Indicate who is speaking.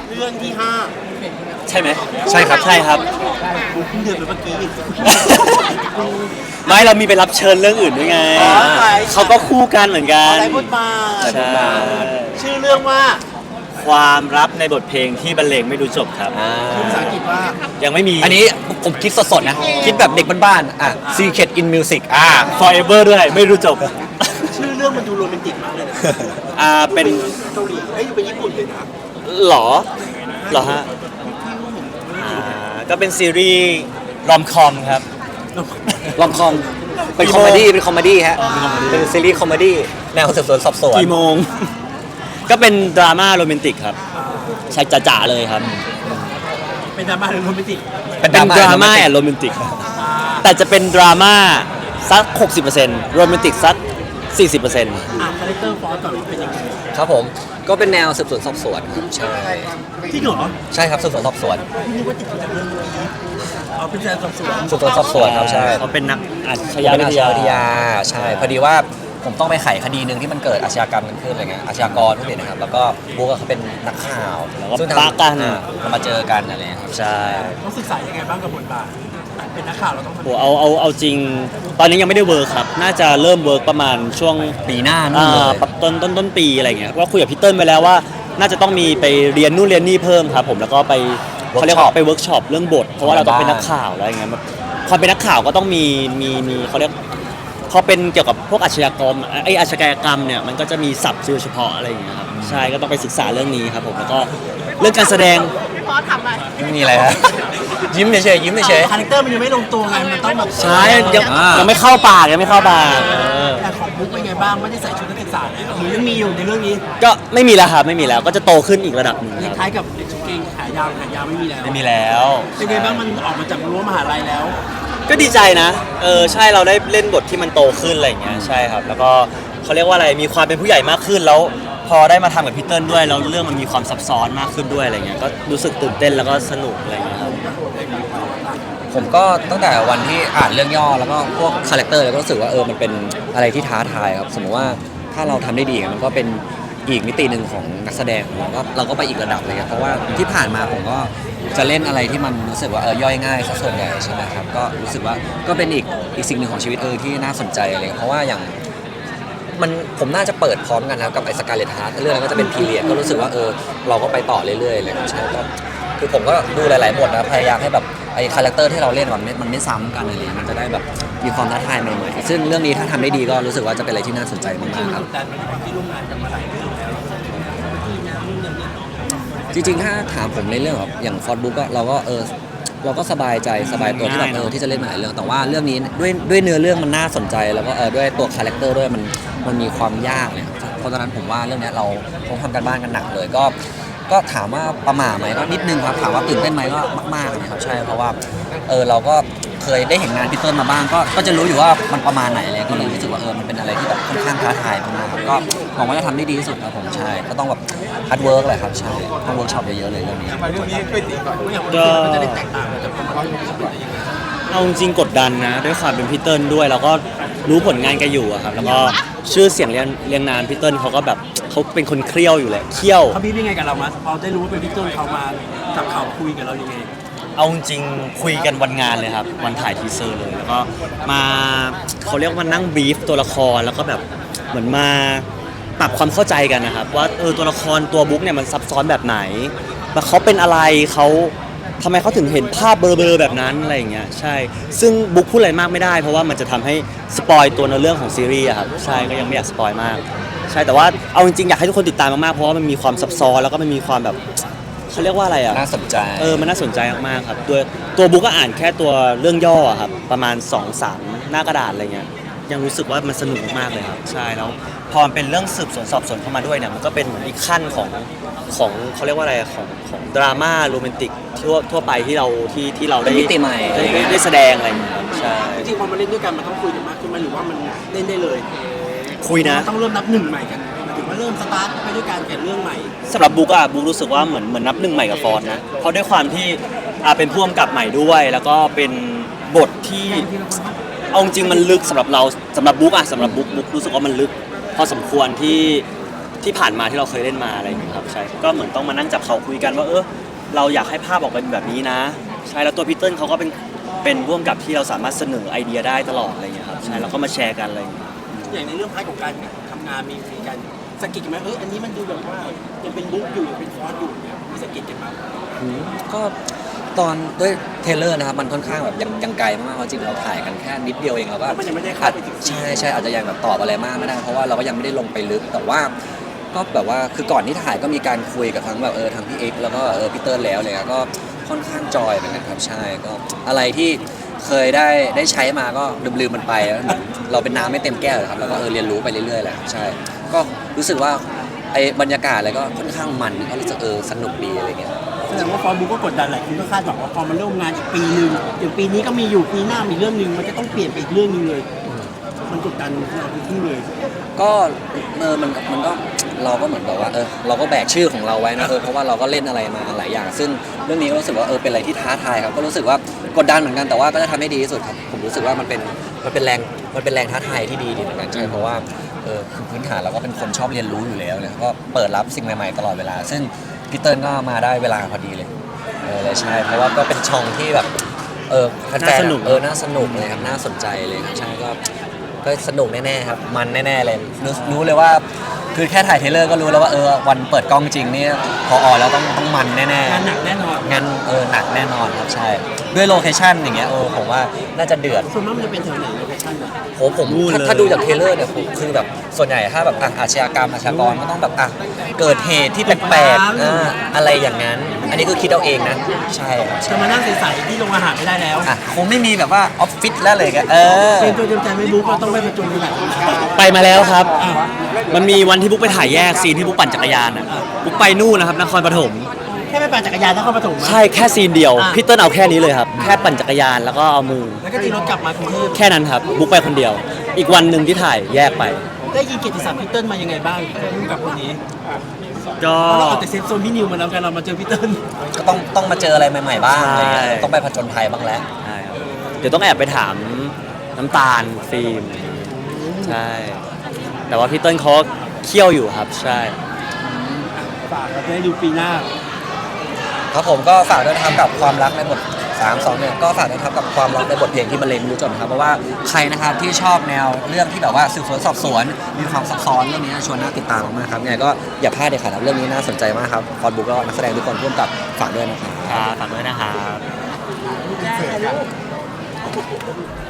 Speaker 1: เรื่องที่ห้า
Speaker 2: ใช่ไหม
Speaker 3: ใช่ครับ
Speaker 2: ใช่ครับ
Speaker 1: กูเพิ่งเดินไปเมื่อกี้
Speaker 2: ไม่เรามีไปรับเชิญเรื่องอื่นด้วยไง
Speaker 1: อ๋อใช่
Speaker 2: เขาก็คู่กันเหมือนกัน
Speaker 1: อะไรพูดมา
Speaker 2: ใช่
Speaker 1: ชื่อเรื่องว่า
Speaker 2: ความลับในบทเพลงที่บรรเลงไม่รู้จบครับ
Speaker 1: ชื่อภาษาอังกฤษว่า
Speaker 2: ยังไม่มี
Speaker 3: อันนี้ผมคิดสดๆนะ คิดแบบเด็กบ้านๆSecret in Music
Speaker 2: forever ด้วยไม่รู้จบ
Speaker 1: ชื่อเรื่องมันดูโรแมนติกมากเลยนะ
Speaker 2: เป็น
Speaker 1: เกาหลีเอ้ยอยู่เป็นญี่ปุ่นเลยนะ
Speaker 2: หรอเหรอฮะก็เป็นซีรีส์รอมคอมครับ
Speaker 3: ลอมคอมเป็นคอมเมดี้เป็นคอมเมดี้ฮะเป็นซีรีส์คอมเมดี้แนวสืบสวนสอบสวน
Speaker 2: กี่โมง ก็เป็นดราม่าโรแมนติกครับใช่จ๋าๆเลยครับ
Speaker 1: เป็นดราม่าหรือโรแมนติก
Speaker 2: เป็นดราม่าแอนโรแมนติกแต่จะเป็นดราม่าสัก 60%โรแมนติกสัก 40%
Speaker 1: คาแรคเตอร์ฟอสก่อนว่าเป็นยังไง
Speaker 3: ครับผมก็เป็นแนวสืบสวนสอบสวนใช่
Speaker 1: ที่เหรอ
Speaker 3: ใช่ครับสืบสวนสอบสวน
Speaker 1: พี่นึกว่าติดจากเรื่องนี้เอาเป็นการสอบสวน
Speaker 3: สืบสวนสอบสวนครับใช่
Speaker 2: เขาเป็นนักอาช
Speaker 3: เป็น
Speaker 2: ญา
Speaker 3: อา
Speaker 2: วิ
Speaker 3: ช
Speaker 2: ท
Speaker 3: ญา
Speaker 2: ยา
Speaker 3: วิทยาใช่พอดีว่าผมต้องไปไขคดีหนึ่งที่มันเกิดอาชญากรรมกันขึ้นอะไรเงี้ยอาชญากรพวกนี้นะครับแล้วก็บุ๊กเขาเป็นนักข่าว
Speaker 2: แล้วก็
Speaker 3: ซึ่ง
Speaker 2: ปะกัน
Speaker 3: เรามาเจอกันอะไรเงี้ยครับ
Speaker 2: ใช่
Speaker 1: ต้องศึกษายังไงบ้างกับบทบาทเป็นนักข่าวเราต้องทำ
Speaker 2: โหเอาจริง ตอนนี้ยังไม่ได้เวิร์คครับ น่าจะเริ่มเวิร์คประมาณช่วง
Speaker 3: ปีหน้านู่นเลย
Speaker 2: ต้นปีอะไรเงี้ยว่าคุยกับพี่เติ้ลไปแล้วว่า น่าจะต้องมีไปเรียนนู่นเรียนนี่เพิ่มครับผมแล้วก็ไปเขาเรียกว่าไปเวิร์กช็อปเรื่องบท เพราะว่าเราต้องเป็นนักข่าวอะไรเงี้ยความเป็นนักข่าวก็ต้องมีเขาเรียกพอเป็นเกี่ยวกับพวกอาชญากรรมอาชญากรรมเนี่ยมันก็จะมีศัพท์ชื่อเฉพาะอะไรอย่างเงี้ยครับใช่ก็ต้องไปศึกษาเรื่องนี้ครับผมแล้วก็เรื่องการแสดง
Speaker 4: พี่พอทำอะไร
Speaker 3: ไม่มีอะไรฮะยิ้มเฉยๆยิ้มเฉย
Speaker 1: คาแรคเตอร์มันยังไม่ลงตัวไงมันต้องแบบ
Speaker 2: ใช่ยังไม่เข้าปากยังไม่เข้าปาก
Speaker 1: แต่ของบุ๊กเป็นไงบ้างไม่ได้ใส่ชุดนักศึกษาแล้วหรือยังมีอยู่ในเรื่องนี้
Speaker 2: ก็ไม่มีแล้วครับไม่มีแล้วก็จะโตขึ้นอีกระดับหนึ่ง
Speaker 1: ค
Speaker 2: ครับ
Speaker 1: ล้ายๆกับเกงขายาวไม่มีแล้ว
Speaker 2: ไม่มีแล้ว
Speaker 1: เป็นไงบ้างมันออกมาจากรั้วมหาลัยแล้ว
Speaker 2: ก็ดีใจนะใช่เราได้เล่นบทที่มันโตขึ้นอะไรอย่างเงี้ยใช่ครับแล้วก็เขาเรียกว่าอะไรมีความเป็นผู้ใหญ่มากขึ้นแล้วพอได้มาทำกับพี่เติ้ลด้วยแล้วเรื่องมันมีความซับซ้อนมากขึ้นด้วยอะไรเงี้ยก็รู้สึกตื่นเต้นแล้วก็สนุกอะไรเงี้ยครับ
Speaker 3: ๆผมก็ตั้งแต่วันที่อ่านเรื่องย่อแล้วก็พวกคาแรคเตอร์แล้วก็รู้สึกว่ามันเป็นอะไรที่ท้าทายครับสมมติว่าถ้าเราทำได้ดีมันก็เป็นอีกมิติหนึ่งของนักแสดงเราก็ไปอีกระดับเลยครับเพราะว่าที่ผ่านมาผมก็จะเล่นอะไรที่มันรู้สึกว่าย่อยง่ายซะส่วนใหญ่ใช่ไหมครับก็รู้สึกว่าก็เป็นอีกสิ่งหนึ่งของชีวิตที่น่าสนใจอะไรเพราะว่าอย่างผมน่าจะเปิดพร้อมกันครับกับไอ้สกาเลตฮาร์ทเรื่องนั้นก็จะเป็นพีเรียดก็รู้สึกว่าเราก็ไปต่อเรื่อยๆเลยใช่ก็คือผมก็ดูหลายๆบทนะพยายามให้แบบไอ้คาแรคเตอร์ที่เราเล่นมันไม่ซ้ำกันอะไรมันจะได้แบบมีความท้าทายใหม่ๆซึ่งเรื่องนี้ถ้าทำได้ดีก็รู้สึกว่าจะเป็นอะไรที่น่าสนใจมากๆครับ
Speaker 1: แต่ในความที่ร่วมงานกันมาหลายเรื่องแล้ว
Speaker 3: จริงๆถ้าถามผมในเรื่องแบบอย่างฟอร์ดบุ๊กก็เราก็สบายใจสบายตัวที่แบบที่จะเล่นมาหลายเรื่องแต่ว่าเรื่องนี้ด้วยเนื้อเรื่องมันน่าสนใจแล้วก็ด้วยตัวคาแรคเตอร์ด้วยมันมีความยากเลยครับเพราะฉะนั้นผมว่าเรื่องนี้เราต้องทำกันบ้านกันหนักเลยก็ถามว่าประหม่าไหมก็นิดนึงครับถามว่าตื่นเต้นไหมก็มากๆเลยครับใช่เพราะว่าเราก็เคยได้เห็นงานพี่เติ้ลมาบ้างก็จะรู้อยู่ว่ามันประมาณไหนเลยก็เลยรู้สึกว่ามันเป็นอะไรที่แบบค่อนข้างท้าทายมากๆครับก็หวังว่าจะทำได้ดีที่สุดครับผมใช่ก็ต้องแบบฮาร์ดเวิร์กเลยครับใช่ต้องเวิร์กช็อปเยอะๆเลยเรื่องนี้
Speaker 1: เรื่องนี้ช่วยตีก่อนอย่างวัน
Speaker 2: ก็
Speaker 1: นี้มันจะได้แตกต่างกันจากความรู้สึกอะไรยังไง
Speaker 2: เอาจริงๆกดดันนะด้วยความเป็นพี่เติ้ลด้วยแล้วก็รู้ผลงานแกอยู่อะครับแล้วก็ชื่อเสียงเรียงนามพี่เติ้ลเขาก็แบบเขาเป็นคนเคี่ยวอยู่แหละเคี่ยว
Speaker 1: เขาพี่เป็นไงกับเรามั้ยพอได้รู้ว่าเป็นพี่ต้นเขามาจับเขาคุยกับเรายังไง
Speaker 2: เอาจริงคุยกันวันงานเลยครับวันถ่ายทีเซอร์เลยแล้วก็มาเขาเรียกว่านั่งบรีฟตัวละครแล้วก็แบบเหมือนมาปรับความเข้าใจกันนะครับว่าตัวละครตัวบุ๊กเนี่ยมันซับซ้อนแบบไหนแล้วเขาเป็นอะไรเขาทำไมเขาถึงเห็นภาพเบลอๆแบบนั้นอะไรอย่างเงี้ยใช่ซึ่งบุ๊กพูดอะไรมากไม่ได้เพราะว่ามันจะทำให้สปอยตัวในเรื่องของซีรีส์อะครับใช่ก็ยังไม่อยากสปอยมากใช่แต่ว่าเอาจริงๆอยากให้ทุกคนติดตามมากๆเพราะว่ามันมีความซับซ้อนแล้วก็มันมีความแบบเขาเรียกว่าอะไรอ่ะ
Speaker 3: น่าสนใจ
Speaker 2: มันน่าสนใจมากๆครับตัวบุ๊กก็อ่านแค่ตัวเรื่องย่ออะครับประมาณ 2-3 หน้ากระดาษอะไรเงี้ยยังรู้สึกว่ามันสนุกมากเลยครับใช่แล้วพอมันเป็นเรื่องสืบสวนสอบสวนเข้ามาด้วยเนี่ยมันก็เป็นเหมือนอีกขั้นของเขาเรียกว่าอะไรของดราม่าโรแมนติกทั่วไปที่เราได้
Speaker 3: เป็นมิติใหม่
Speaker 2: ได้แสดงอะไรอย่างเงี้ยครับใช่
Speaker 1: จริงๆพอมาเล่นด้วยกันมันต้องคุยกันมากขึ้นไหมหรือว่ามันเล่นได้เลย
Speaker 2: คุยนะ
Speaker 1: ต้องเริ่มนับหนึ่งใหม่กันหมายถึงว่าเริ่มสตาร์ทไปด้วยการแข่เรื่องใหม่
Speaker 2: สำหรับบุ๊กรู้สึกว่าเหมือนนับหนึ่งใหม่กับฟอร์ดนะเพราะด้วยความที่เป็นผู้กำกับใหม่ด้วย แล้วก็เป็นบทที่เอาจริงมันลึกสำหรับเราสำหรับบุ๊กรู้สึกว่ามันลึกพอสมควรที่ที่ผ่านมาที่เราเคยเล่นมาอะไรอย่างเงี้ยครับใช่ก็เหมือนต้องมานั่งจับเขาคุยกันว่าเราอยากให้ภาพออกเป็นแบบนี้นะใช่แล้วตัวพีเติ้ลเขาก็เป็นร่วมกับที่เราสามารถเสนอไอเดียได้ตลอดอะไรอย่างเงี้ยครับใช่เราก็มาแชร์กันอะไรอย่างเงี้ย
Speaker 1: อย่างในเรื่องพาร์ทของการทำงานมีการสะกิดกันไหมอันนี้มันดูแบบว่ายังเป็นบุ๊กอยู่ยังเป็นฟอสอยู่เนี่ยมีสะกิดกันไหม
Speaker 3: ก็ตอนด้วยเทรลเลอร์นะครับมันค่อนข้างแบบยังไกลมากๆจริงเราถ่ายกันแค่นิดเดียวเองแล้วก็
Speaker 1: มันยังไม่ได้เข้าไปถึง
Speaker 3: ใช่อาจจะยังแบบตอบอะไรมากไม่ได้เพราะว่าเราก็ยังไม่ได้ลงไปลึกแต่ว่าก็แบบว่าคือก่อนที่ถ่ายก็มีการคุยกับทั้งแบบทางพี่เอ็กซ์แล้วก็พี่เติ้ลแล้วเลยก็ค่อนข้างจอยเหมือนกันครับใช่ก็อะไรที่เคยได้ใช้มาก็ลืมมันไปแล้วเหมือนเราเป็นน้ำไม่เต็มแก้วเลยครับเราก็เรียนรู้ไปเรื่อยๆแหละครับใช่ก็รู้สึกว่าไอ้บรรยากาศอะไรก็ค่อนข้างมันก็รู้สึกสนุกดีอะไรเงี้ย
Speaker 1: แสดงว่าฟอสบุ๊กก็กดดันหลายคนก็คาดหวังว่าพอมันเริ่มงานอีกปีนึงอย่างปีนี้ก็มีอยู่ปีหน้ามีเรื่องนึงมันจะต้องเปลี่ยนไปอีกเรื่องนึงเลยมันกดดันเราทุกที่เลย
Speaker 3: ก็มันก็เราก็เหมือนแบบว่าเราก็แบกชื่อของเราไว้นะเพราะว่าเราก็เล่นอะไรมาหลายอย่าง ซึ่งเรื่องนี้ก็รู้สึกว่าเป็นอะไรที่ท้าทายครับก็รู้สึกว่ากดดันเหมือนกันแต่ว่าก็จะทำให้ดีที่สุดครับผมรู้สึกว่ามันเป็นแรงท้าทายที่ดีเหมือนกันใช่เพราะว่าคือพื้นฐานเราก็เป็นคนชอบเรียนรู้อยู่แล้วเนี่ยก็เปิดรับสิ่งใหม่ๆตลอดเวลาซึ่งพี่เติ้ลก็มาได้เวลาพอดีเลยเลยใช่เพราะว่าก็เป็นช่องที่แบบแฟนๆน่าสนุกเลยครับน่าสนใจเลยครับใช่ก็สนุกแน่ๆครับมันแน่ๆเลยรู้เลยว่าคือแค่ถ่ายเทรลเลอร์ก็รู้แล้วว่าวันเปิดกล้องจริงนี่พอออกแล้วต้องมันแน่ๆ
Speaker 1: งานหนักแน่นอน
Speaker 3: งานหนักแน่นอนครับใช่ด้วยโลเคชั่นอย่างเงี้ยผมว่าน่าจะเดือด
Speaker 1: ส่วนมากมันจะเป็นแถวไหนโลเคชั่นอะ
Speaker 3: ผมถ้าดูจากเทรลเลอร์เนี่ยผมคือแบบส่วนใหญ่ถ้าแบบอาชญากรรมอาชญากรก็ต้องแบบเกิดเหตุที่แปลกๆอะไรอย่างนั้น อันนี้คือคิดเอาเองนะใช่ครับ
Speaker 1: จะมานั่งใสๆที่โรงอาหารไม่ได้แล้ว
Speaker 3: คงไม่มีแบบว่าออฟฟิศแล้วเลยกัน
Speaker 1: เป็นตัวเตรียมใจไม่บุ๊กก็ต้องไปประจุในหลายคนชาติ
Speaker 2: ไปมาแล้วครับ มันมีวันที่บุ๊กไปถ่ายแยกซีนที่บุ๊กปั่นจักรยานอ่ะบุ๊กไปนู่นนะครับนครปฐม
Speaker 1: แค่ไปปั่นจักรยานแล้วเข้าปฐม
Speaker 2: ใช่แค่ซีนเดียวพี่เติ้ลเอาแค่นี้เลยครับแค่ปั่นจักรยานแล้วก็เอามือ
Speaker 1: แล้วก็ตีรถกลับมากรุงเทพ
Speaker 2: แค่นั้นครับบุ๊กไปคนเดียว อีกวันหนึ่งที่ถ่ายแยกไป
Speaker 1: ได้ยินเกียรติศัพท์พีเติ้ลมายังไงบ้างร่วมกับคนนี้
Speaker 2: ก็
Speaker 1: เพราะเราออกจากเซฟโซนพี่นิวมาแล้วกันเรามาเจอพีเติ้ล
Speaker 3: ก็ต้องมาเจออะไรใหม่ๆบ้างอะไรเงี้ย
Speaker 2: ใช่
Speaker 3: ต้องไปผจญภัยบ้างแล้ว
Speaker 2: ใช่ครับเดี๋ยวต้องแอบไปถามน้ำตาลฟิล์มใช่แต่ว่าพี่เติ้ลเขาเคี่ยวอยู่ครับใช่
Speaker 1: ฝากเราจะได้ดูปีหน้า
Speaker 3: ครับผมก็ฝากด้วยนะครับกับความรักในบท3-2-1ก็ฝากด้วยนะครับกับความรักในบทเพลงที่บรรเลงไม่รู้จบนะครับเพราะว่าใครนะครับที่ชอบแนวเรื่องที่แบบว่าสืบสวนสอบสวนมีความซับซ้อนเรื่องนี้ชวนน่าติดตามมากๆครับยังไงก็อย่าพลาดเด็ดขาดครับเรื่องนี้น่าสนใจมากครับฟอนบุ๊กแล้วก็นักแสดงทุกคนร่วมกับฝากด้วยนะครับ
Speaker 2: ฝากด้วยนะครับ